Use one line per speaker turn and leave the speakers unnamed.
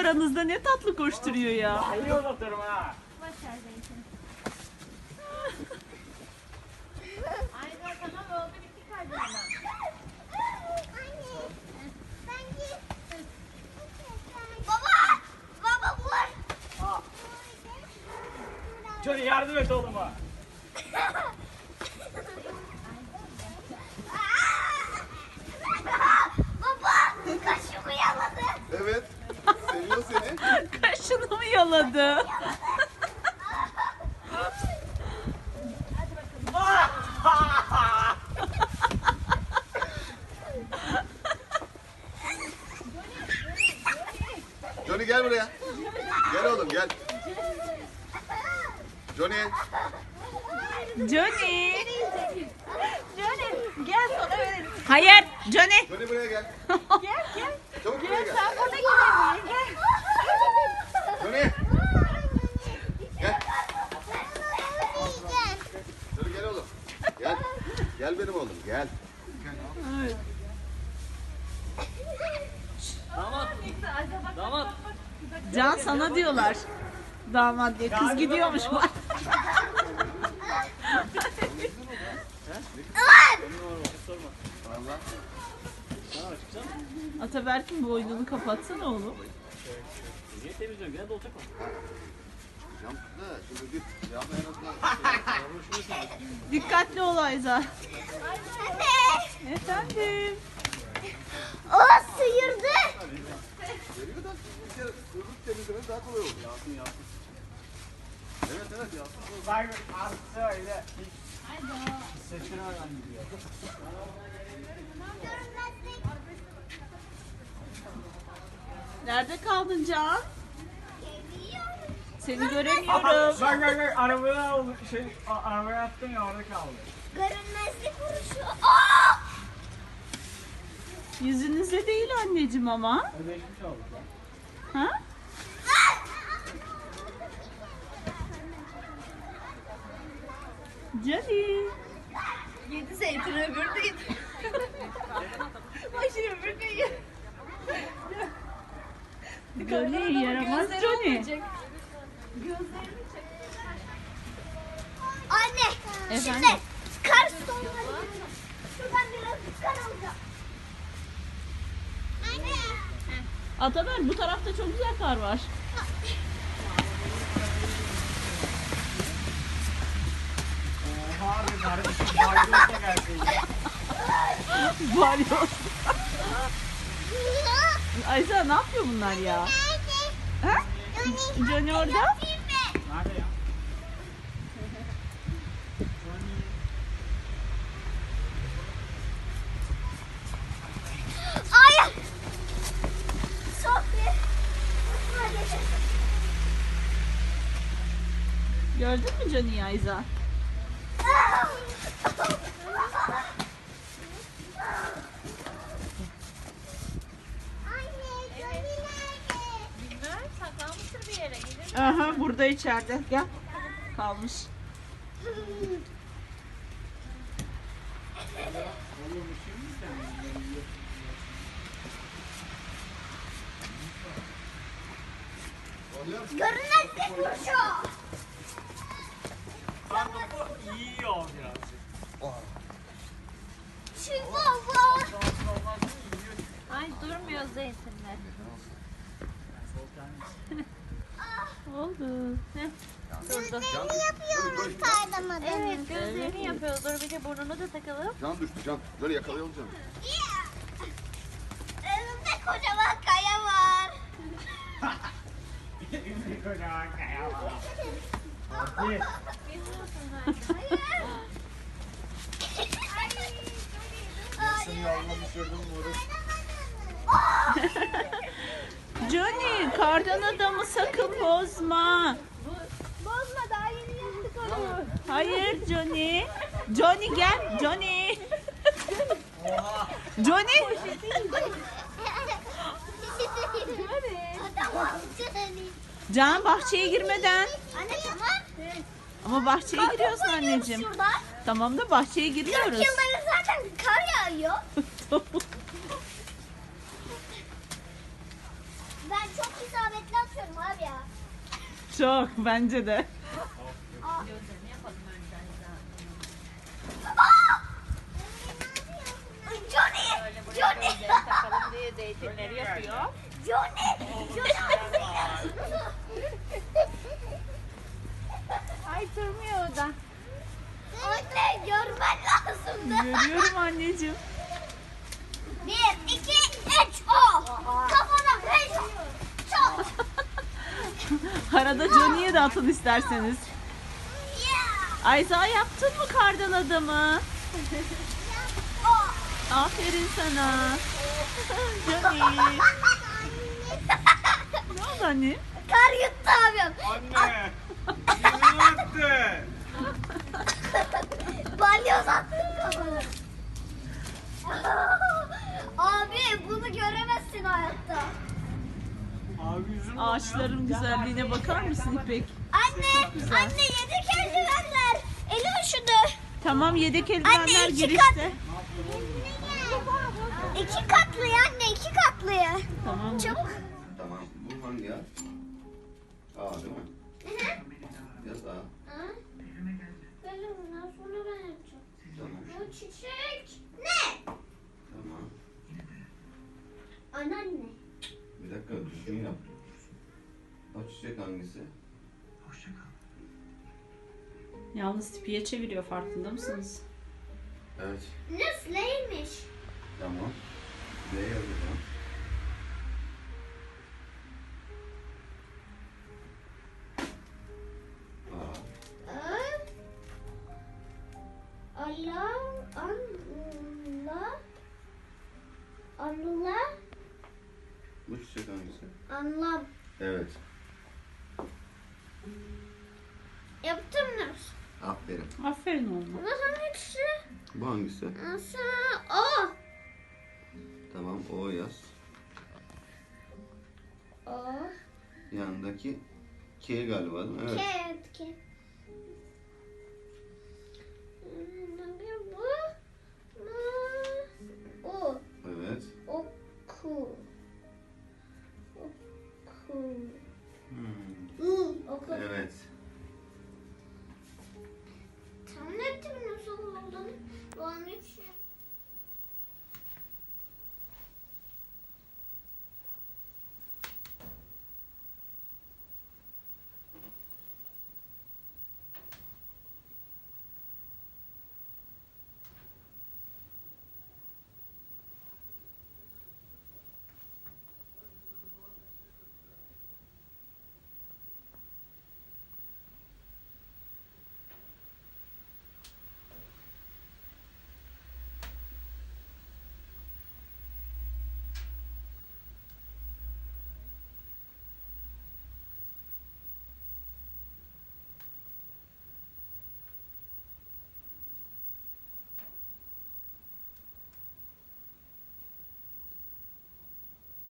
aranızda ne tatlı koşturuyor ya.
İyi uzatırım ha.
Başar zeytin. Ayza tamam oldu bitti kardeşim.
Baba! Baba vur!
Johnny yardım et oğluma.
Baba! Kaşımı yaladı.
Evet. Seviyor seni.
Kaşını mı yaladı?
Johnny gel buraya. Gel oğlum gel. Johnny.
Johnny.
Johnny gel sana verelim.
Hayır Johnny.
Johnny buraya gel.
Gel gel.
Çabuk buraya gel.
Sen burada gidelim. Gel.
Johnny. Gel. Johnny gel oğlum. Gel. Gel benim oğlum gel.
Damat. Damat.
Can sana diyorlar. Damat diye. Kız gidiyormuş bak.
Allah.
Ataberk'in boynunu kapatsana oğlum.
Niye temizliyorsun? Gene dolacak o.
Cam da şimdi git. Camla en azından.
Dikkatli ol Ayza. Efendim.
O sıyırdı.
Veriyor da bir kere sırrık temizlemesi daha kolay olur. Yansın yansın. Evet evet yansın.
Bak artık öyle. Seçkin hayvan gidiyor.
Nerede kaldın Can? Seni göremiyorum.
Bak bak bak arabaya oldu. Arabaya attın ya orada kaldı.
Görünmezlik vuruşu. Aa!
Yüzünüzde değil anneciğim ama.
Ödeşmiş olduk lan.
Ha? Johnny.
Yedi zeytin öbür değil. Bak şimdi öbür değil.
Johnny yaramaz Johnny.
Gözlerini çek.
Anne.
Efendim?
Şimdi kar sonları. Şuradan biraz kar alacağım. Anne.
Ataber bu tarafta çok güzel kar var.
Oha abi kardeşim. Bayılırsa gelsin.
Balyoz. Ayza ne yapıyor bunlar ya? Ha? Johnny orada.
Nerede ya?
Hayır. Çok iyi.
Gördün mü Johnny'yi Ayza?
Bilmem saklanmıştır bir yere. Gelir.
Aha burada içeride. Gel. Kalmış.
Görünmezlik vuruşu.
Topu yiyor birazcık.
Şu baba.
Ay durmuyor zeytinler.
Oldu.
Heh, durdu.
Ne yapıyoruz kardamadan?
Evet gözlerini yapıyoruz. Dur bir de burnunu da takalım.
Can düştü can. Böyle yakalayalım canım.
Önümde kocaman kaya var.
Bir kocaman kaya var. Hadi. Seni yoluna düşürdüm Murat.
Johnny kardan adamı sakın bozma.
Bozma daha yeni yaptık onu.
Hayır Johnny. Johnny gel. Johnny. Johnny. Can bahçeye girmeden.
Anne tamam.
Ama bahçeye giriyorsun anneciğim.
Şuradan.
Tamam da bahçeye
40
giriyoruz.
yılları zaten kar yağıyor. Ben çok isabetli
Çok bence de.
Gözlerini yapalım önden
Johnny!
Böyle buraya gözlerini takalım diye zeytinleri yapıyor.
Johnny!
Ay durmuyor o da.
Anne görmen lazımdı.
Görüyorum anneciğim.
1, 2, 3, o. Kafana 5. Çok.
Arada Johnny'ye de atın isterseniz.
Yeah.
Ayza yaptın mı kardan adamı?
O.
Aferin sana. Johnny. Ne oldu anne?
Kar yuttu abim.
Anne! Yüzünü attı.
Balyoz attın kafana. Abi bunu göremezsin hayatta.
Abi yüzünü
Ağaçların güzelliğine bakar mısın İpek?
Anne,
güzel.
anne yedek eldivenler. Eli üşüdü.
Tamam, yedek
Anne,
eldivenler
iki
girişte.
2 katlı anne, 2 katlı.
Tamam.
Çabuk.
Tamam. Bu hangi ya? A değil mi? Yaz A.
Böyle bundan sonra ben yapacağım.
Tamam.
Bu çiçek. Ne?
Tamam.
Anneanne.
Bir dakika düzgün yap. O çiçek hangisi?
Yalnız tipiye çeviriyor, farkında mısınız?
Evet.
Nüfleymiş.
Tamam. B yazacağım. A.
Allah, Allah, Allah,
Bu çiçek hangisi?
anlam.
Evet.
Yaptım mı?
Aferin.
Aferin oğlum.
Ama hangisi?
Bu hangisi?
Nasıl? O.
Tamam. O yaz.
O.
Yanındaki K galiba değil mi? Evet.
Ket, ket. Bu. O.
Evet.
Oku. Oku.
Hmm.
Oku.
Evet.
Tahmin ettim nasıl olduğunu. Bu an hiç şey